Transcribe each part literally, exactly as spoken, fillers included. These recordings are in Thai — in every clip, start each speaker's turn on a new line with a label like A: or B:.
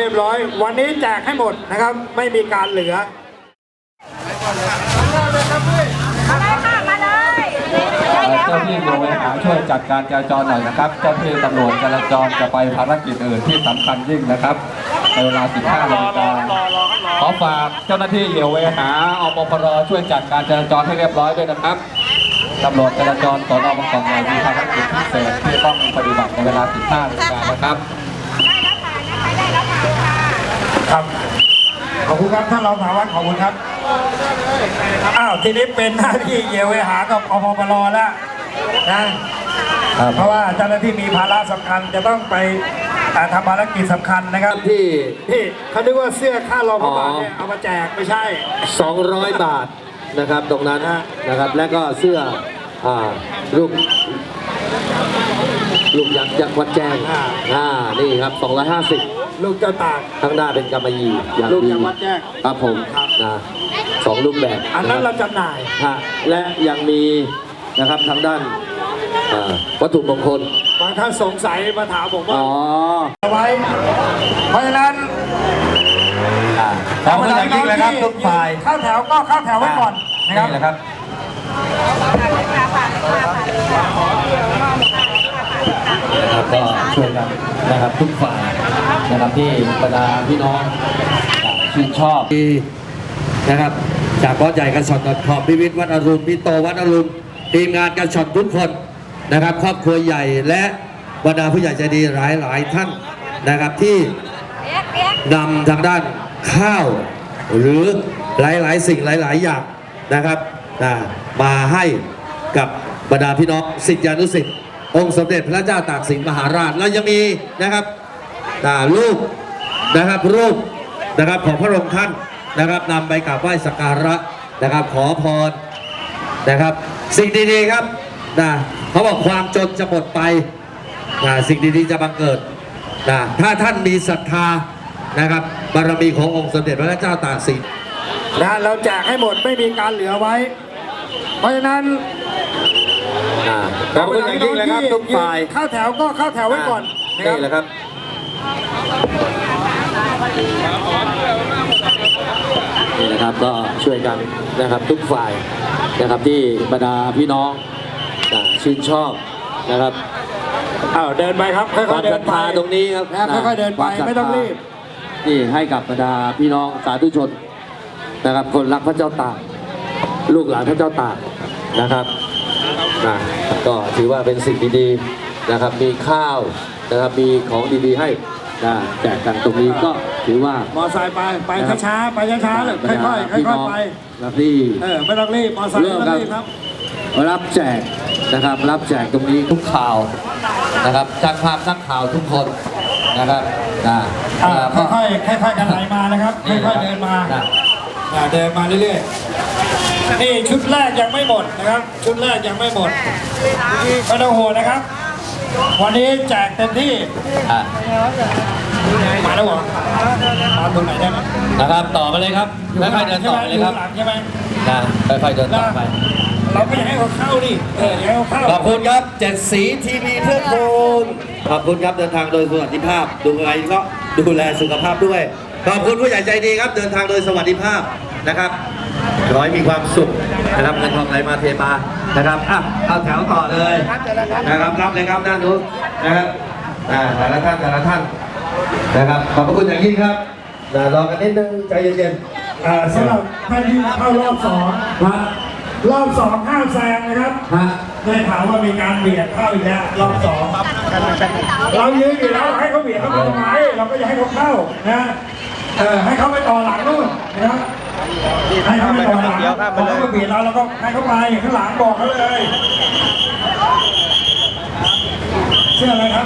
A: รียบร้อยวันนี้แจกให้หมดนะครับไม่มีการเหลือ
B: เจ้าที่โยเวหาช่วยจัดการจราจรหน่อยนะครับเจ้าที่ตำรวจจราจรจะไปภารกิจอื่นที่สำคัญยิ่งนะครับในเวลา สิบห้านาฬิกาขอฝากเจ้าหน้าที่โยเวหาอปพรช่วยจัดการจราจรให้เรียบร้อยด้วยนะครับตำรวจจราจรสน.บางกอกใหญ่มีภารกิจพิเศษที่ต้องปฏิบัติในเวลา สิบห้านาฬิกานะครับ
A: ครับขอบคุณครับท่านรองสารวัตรขอบคุณครับอ้าวทีนี้เป็นหน้าที่เยียวหากับอปพรแล้วนะเพราะว่าเจ้าหน้าที่มีภาระสำคัญจะต้องไปทำภารกิจสำคัญนะครับที่ที่เขาคิดว่าเสื้อค่ารองผู้การเนี่ยเอามาแจกไม่ใช่
C: สองร้อยบาทนะครับตรงนั้นนะครับและก็เสื้ออ่ารูปลูกยักษ์ยักษ์วัดแจ้งอ่านี่ครับสองร้อยห้าสิบ
A: ลูกเจ้าตาก
C: ข้างหน้าเป็นกำมะหยี่
A: ลูกยักษ์วัดแจ้ง
C: ครับผมนะสองรูปแบบ
A: อันนั้นเราจำหน่าย
C: ฮะและยังมีนะครับทางด้านวัตถุมงคล
A: บางท่านสงสัยมาถามผมว่าอ๋อเอาไว้เพราะฉะนั้น
B: ขอบคุณอย่างยิ่งเลยครับทุกฝ่าย
A: เข้าแถวก็เข้าแถวไว้ก่อนนะครับ
B: นี่แหละครับนะครับก็ช่วยกันนะครับทุกฝ่ายนะครับที่บรรดาพี่น้องชื่นชอบ
C: นะครับจากบอสใหญ่กันช็อตขอบพิวิทย์วัดอรุณพี่โตวัดอรุณทีมงานกันช็อตทุกคนนะครับครอบครัวใหญ่และบรรดาผู้ใหญ่ใจดีหลายหลายท่านนะครับที่นำทางด้านข้าวหรือหลายๆสิ่งหลายๆอย่างนะครับมาให้กับบรรดาพี่น้องศิษยานุศิษย์องค์สมเด็จพระเจ้าตากสินมหาราชแล้วยังมีนะครับรูปนะครับรูปนะครับของพระองค์ท่านนะครับนำไปกราบไหว้สักการะนะครับขอพรนะครับสิ่งดีๆครับนะเขาบอกความจนจะหมดไปนะสิ่งดีๆจะบังเกิดนะถ้าท่านมีศรัทธานะครับบารมีขององค์สมเด็จพระเจ้าตากสิน
A: นะเราแจกให้หมดไม่มีการเหลือไว้เพราะฉะนั้น
C: ขอบคุณอย่างยิ่งเลยครับทุกฝ่าย
A: เข้าแถวก็เข้าแถวไว้ก่อน
C: นี่แหละครับนี่นะครับก็ช่วยกันนะครับทุกฝ่ายนะครับที่บรรดาพี่น้องชื่นชอบนะครับ
A: อ้าวเดินไปครับค่อยๆเดินไป
C: ตรงนี้ครับ
A: ค่อยๆเดินไปไม่ต้องรีบ
C: นี่ให้กับบรรดาพี่น้องสาธุชนนะครับคนรักพระเจ้าตากลูกหลานพระเจ้าตากนะครับนะก็ถือว่าเป็นสิ่งดีๆนะครับมีข้าวนะครับมีของดีๆให้นะแจกกันตรงนี้ก็ถือว่าม
A: อไซค์ไปไปช้าๆไปช้าๆเลยค่อยๆค่อยๆไป
C: รับรี
A: เออไม่ต้องรีบมอไซค์ไม่ต้องรีบครับ
C: รับแจกนะครับรับแจกตรงนี้ทุกข่าวนะครับจากภาพนักข่าวทุกคนนะครับนะ
A: ค่อยๆค่อยๆกันไหลมานะครับค่อยๆเดินมาเดินมาเรื่อยๆนี่ชุดแรกยังไม่หมดนะครับชุดแรกยังไม่หมดไม่ต้องห่วงนะครับวันนี้แจกเต็มที่มาแล้วเหรอมาตรงไหนได้ไหม
C: นะครับต่อไปเลยครับค่อยๆเดินต่อไปเลยครับ
A: ใช่ไหม
C: นะค่อยๆเดินต่อไป
A: เราไม่ให้เขาเข้าดิเออให้เขาเข้า
C: ขอบคุณครับเจ็ดสีทีวีเพื่อคุณขอบคุณครับเดินทางโดยสวัสดิภาพดูอะไรก็ดูแลสุขภาพด้วยขอบคุณผู้ใหญ่ใจดีครับเดินทางโดยสวัสดิภาพนะครับขอให้มีความสุขนะครับเงินทองไหลมาเทมานะครับอ่ะเอาแถวต่อเลยนะครับรับเลยครับด้านนู้นนะครับอ่าแต่ละท่านแต่ละท่านนะครับขอบพระคุณอย่างยิ่งครับรอกันนิดนึงใจเย็น
A: ๆอ่าสำหรับท่านที่เข้ารอบสองรอบสองห้ามแซงนะครับได้ข่าวว่ามีการเบียดเข้าอีกแล้วรอบสองเรายืนอยู่แล้วให้เขาเบียดเข้ามาทำไมเราก็อยากให้เขาเข้านะเออให้เขาไปต่อหลังนู่นนะครับให้เขาไปต่อหลังพอเขามาเบียดเราเราก็ให้เขาไปข้างหลังบอกเขาเลยเชื่ออะไรครับ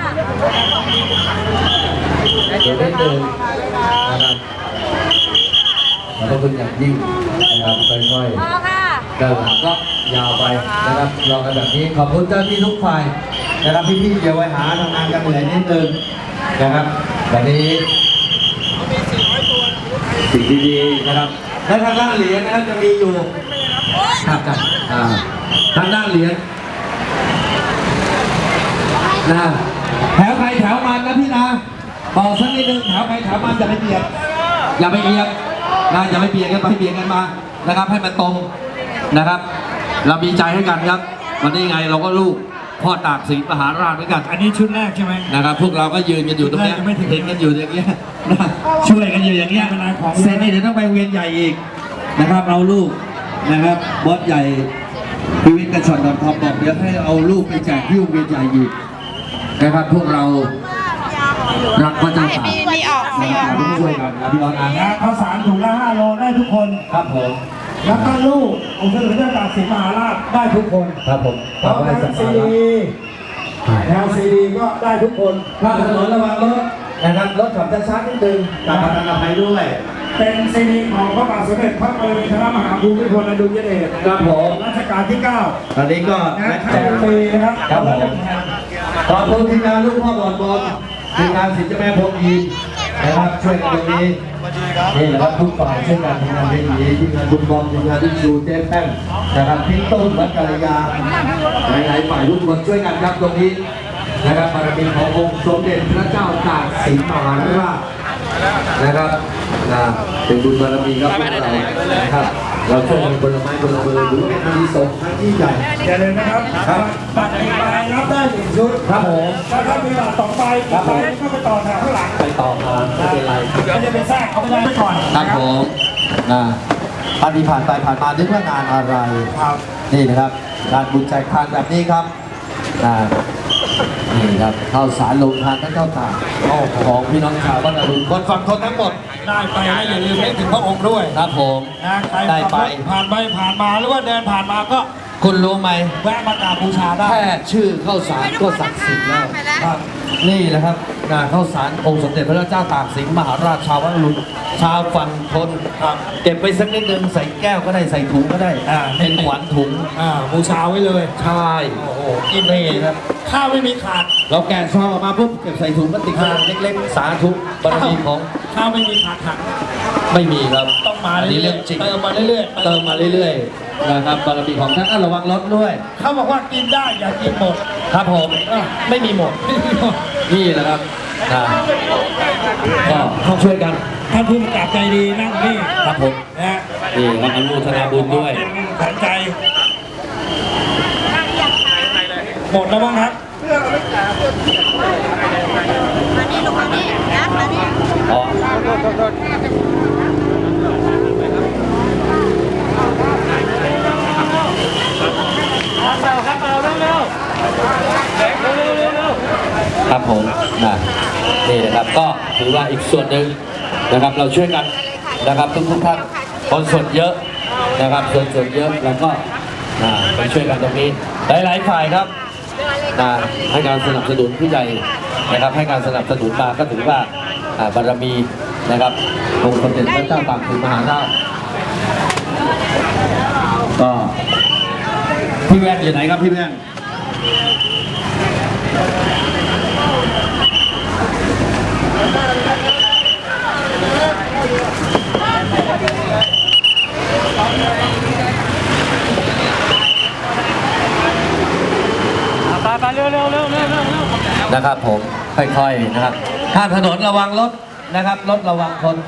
C: เดี๋ยวนิดนึงนะครับขอบพระคุณอย่างยิ่งนะครับค่อยๆเดินก็ยาวไปนะครับรอกันแบบนี้ขอบคุณเจ้าที่ทุกฝ่ายนะครับพี่ๆเดี๋ยวไว้หาทำงานกันเหนื่อยนิดนึงนะครับแบบนี้สิ่งดีๆนะครับและทางด้านเหรียญนะครับจะมีอยู่ครับกันทางด้านเหรียญนะแถวใครแถวมันนะพี่นะ
B: บอกสักนิดนึงแถวใครแถวมันอย่าไปเบียดอย่าไปเอียงนะอย่าไปเบียดกันไปเบียดกันมานะครับให้มันตรงนะครับ เรามีใจให้กันครับวันนี้ไงเราก็ลูกพ่อตากสินมหาราชเหมือนกัน
A: อันนี้ชุดแรกใช่ไหม
B: นะครับพวกเราก็ยืนกันอยู่ตรงเนี้ย
A: ไม่ถึง
B: เห็นกันอยู่อย่างเงี้ยนะช่วยกันอยู่อย่างเงี้ยเซนนี่เดี๋ยวต้องไปเวียนใหญ่อีกนะครับเอาลูกนะครับบอสใหญ่พิวิทย์กระชอนดอนทอมบอกเดี๋ยวให้เอาลูกไปแจกที่เวียนใหญ่อีกนะครับพวกเรารักพระเจ้าตาก
D: มีออก
B: นะครับต้องช่วยกันนะพี่น้องนะ
A: นะข้าวสารถุงละห้าโลได้ทุกคน
B: ครับผม
A: แล้วก็ลูกองค์สมเด็จพระเจ้าตากสินมหาราชได้ทุกคน
B: ครับผม
A: แล้
B: ขอบ
A: ว
B: ให้
A: ทาง
B: สัก
A: ซี
B: การะ
A: ดีแนวซีดีก็ได้ทุกคน
B: ข้ามถนนระวังรถนะครับรถขับช้าๆนิดนึงตามประกันภัยด้วย
A: เป็นซีดีของพระบาทสมเด็จพระบรมชนมหาภูมิพลอดุลยเดช
B: ครับผม
A: รัชกาลที่เก้า
B: ตอนนี้ก็
A: นะ
B: นะ
A: แจกฟรีนะครับ
B: ครับผมขอบคุณทีมงานลูกพ่อบอลบอลทีมงานสินเจ้าแม่พรหมยีนะครับช่วยกันตรงนี้นี่แหละครับทุกฝ่ายช่วยกันทีมงานที่ดีทีมงานบุญบอลทีมงานที่ชูเจ๊แป้งนะครับพี่ต้นวัดกัลยาหลายๆฝ่ายทุกคนช่วยกันครับตรงนี้นะครับบารมีขององค์สมเด็จพระเจ้าตากสินมหาราชนะครับนะเป็นบุญบารมีครับพวกเรานะครับเราช่วยกันคนละไม้คนละมือหรือเป็นอานิสงส์ทั้งที่ใหญ่
A: อย่าลืมนะครับ
B: ครับ
A: บัตรหนึ่งใบรับได้หนึ่งชุด
B: ครับผม
A: แล้วถ้ามีบัตรสองใบอีกใบก็ไปต่อแถวข้างหลัง
B: ไปต่อมาไม่เป็นไร
A: ไม่จะไปแทรกเขาไม่ได้ไปก่อน
B: ครับผมนะท่านที่ผ่านไปผ่านมานึกว่างานอะไร
A: ครับ
B: นี่นะครับการบุญแจกทานแบบนี้ครับนะนี่ครับข้าวสารลงทานทั้งข้าวตากของพี่น้องชาวบ้านอรุณคนฝั่งทนทั้งหมด
A: ได้ไปแล้วอย่าลืมนึกถึงพระองค์ด้วย
B: ครับผม
A: นะใคร
B: ได้ไป
A: ผ่านไปผ่านมาหรือว่าเดินผ่านมาก็
B: คุณรู้ไหม
A: แวะมากราบบูชาได้
B: แค่ชื่อข้าวสารก็ศักดิ์สิทธิ์แล้ว
A: ครับ
B: นี่แหละครับงานข้าวสารองค์สมเด็จพระเจ้าตากสินมหาราชชาววัดอรุณชาวฝั่งทน
A: ครับ
B: เก็บไปสักนิดนึงใส่แก้วก็ได้ใส่ถุงก็ได้
A: อ่า
B: เป็นขวัญถุง
A: อ่าบูชาไว้เลย
B: ใช่
A: โอ้โห
B: กินนี่ครับ
A: ข้าวไม่มีขาด
B: เราแกะซองออกมาปุ๊บเก็บใส่ถุงพลาสติกขนาดเล็กๆ สาธุบารมีของ
A: ข้าวไม่มีขาดหัก
B: ไม่มีครับ
A: ต้องมา
B: อันนี้
A: เรื่
B: เรื่
A: อ
B: อย งจริง
A: ๆเติมมาเรื่อยๆ
B: เติมมาเรื่อยๆนะครับบารมีของท่านอ่ะระวังรถด้วย
A: เขาบอกว่ากินได้อย่ากินหมด
B: ครับผมอ่ะไม่มีหมด นี่แหละครับนะก็ต้องช่วยกัน
A: ท่านผู้กำกับใจดีนั่งนี่
B: ครับผม
A: นะฮะ
B: นี่ครับอนุโมทนาบุญด้วย
A: เป็นขวัญใจ หมดแล้วบ้างครับ
D: มานี่ลงมานี่นะมานี่
B: อ๋อครับผมนะนี่นะครับก็ถือว่าอีกส่วนหนึ่งนะครับเราช่วยกันนะครับทุกทุกๆท่านคนส่วนเยอะนะครับส่วนส่วนเยอะเราก็นะไปช่วยกันตรงนี้หลายๆฝ่ายครับนะให้การสนับสนุนผู้ใหญ่นะครับให้การสนับสนุนมาก็ถือว่าอ่าบารมีนะครับองค์สมเด็จพระเจ้าตากสินมหาราชก็พี่แว่นอยู่ไหนครับพี่แว่น
A: ไปเร็วเร็วเร็วเร็วเร็ว
B: นะครับผมค่อยๆนะครับข้ามถนนระวังรถนะครับรถระวังคน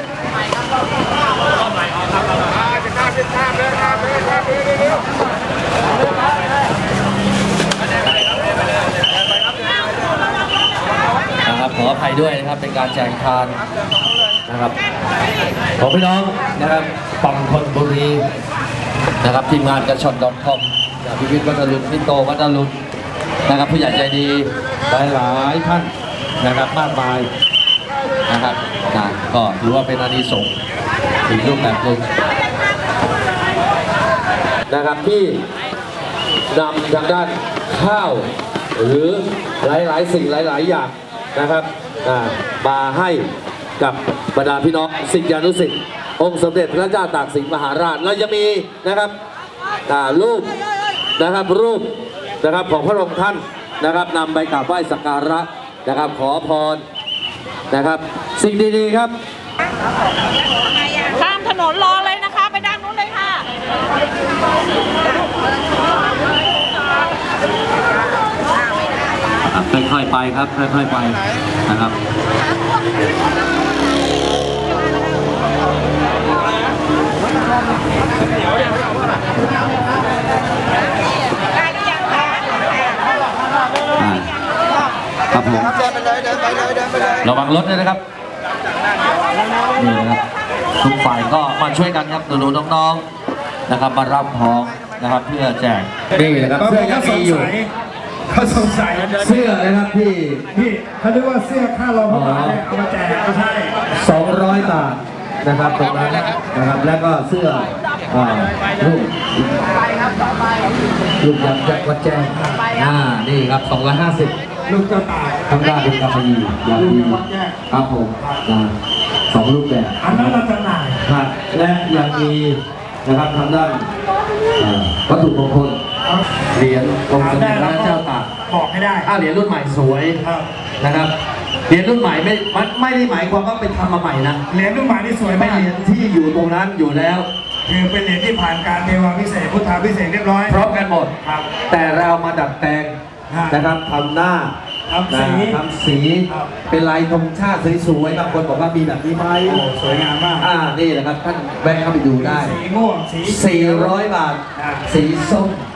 B: นะครับขออภัยด้วยนะครับเป็นการแจกทานนะครับของพี่น้องนะครับฝั่งธนบุรีนะครับทีมงานกระชอนดอทคอมจากพิพิธวัดอรุณพี่โตวัดอรุณนะครับผู้ใหญ่ใจดีหลายหลายๆท่านนะครับมากมายนะครับนะก็ถือว่าเป็นอานิสงส์อีกรูปแบบหนึ่งนะครับที่นำทางด้านข้าวหรือหลายๆสิ่งหลายๆอย่างนะครับอ่ามาให้กับบรรดาพี่น้องศิษยานุศิษย์องค์สมเด็จพระเจ้าตากสินมหาราชเราจะมีนะครับอ่ารูปนะครับรูปนะครับของพระองค์ท่านนะครับนำไปกราบไหว้สักการะนะครับขอพรนะครับสิ่งดีๆครับ
D: ข้ามถนนรอเลยนะคะ ไปด้านนู้นเลยค่ะ
B: ค่อยๆไปครับค่อยๆไป
D: ไ
B: นะครับอ่าครับผมระวังรถด้วยนะครับนี่นะครับทุกฝ่ายก็มาช่วยกันครับหนูๆน้องๆนะครับมารับของนะครับเพื่อแจกนี่นะครับเสื้อยังมีอยู่
A: เขาสงสัย
C: เสื้อนะครับที่
A: พี่เขาเรียกว่าเสื้อค่ารองพระบาทเนี่ยเอามาแจกไม่ใช่
C: สองร้อยบาทนะครับตรงนั้นนะครับแล้วก็เสื้ออ่ารูปรูปยักษ์ยักษ์วัดแจ้งอ่านี่ครับสองร้อยห้าสิบ
A: ลูกเจ้าตาย
C: ทำได้เป็นกาแฟยีอย่างดีครับผมนะสองรูปแบบ
A: อันนั้นเราจำหน่าย
C: ครับและยังมีนะครับทางด้านเอ่อวัตถุมงคลเหรียญองค์สมเด็จพระเจ้าตาก
A: บอกให้ได้
C: อ่าเหรียญรุ่นใหม่สวย
A: ครับ
C: นะครับเหรียญรุ่นใหม่ไม่มันไม่ได้หมายความว่าไปทำมาใหม่นะ
A: เหรียญลูกหมาที่สวย
C: ไม่
A: มาก
C: เหรียญที่อยู่ตรงนั้นอยู่แล้ว
A: คือเป็นเหรียญที่ผ่านการเทวาพิเศษกพุทธาพิเศษกเรียบร้อย
C: พร้อมกันหมด
A: ครับ
C: แต่เรามาดัดแปลง
A: ฮะ
C: นะครับทำหน้า
A: ทำสี
C: นะทำสี
A: ครับ
C: เป็นลายธงชาติสวยๆบางคนบอกว่ามีแบบนี้ไหม
A: โอ้สวยงามมาก
C: อ่านี่แหละครับท่านแวะเข้าไปดูได้
A: สีม่วงสี
C: สี่ร้อยบาท
A: อ่า
C: สีส้ม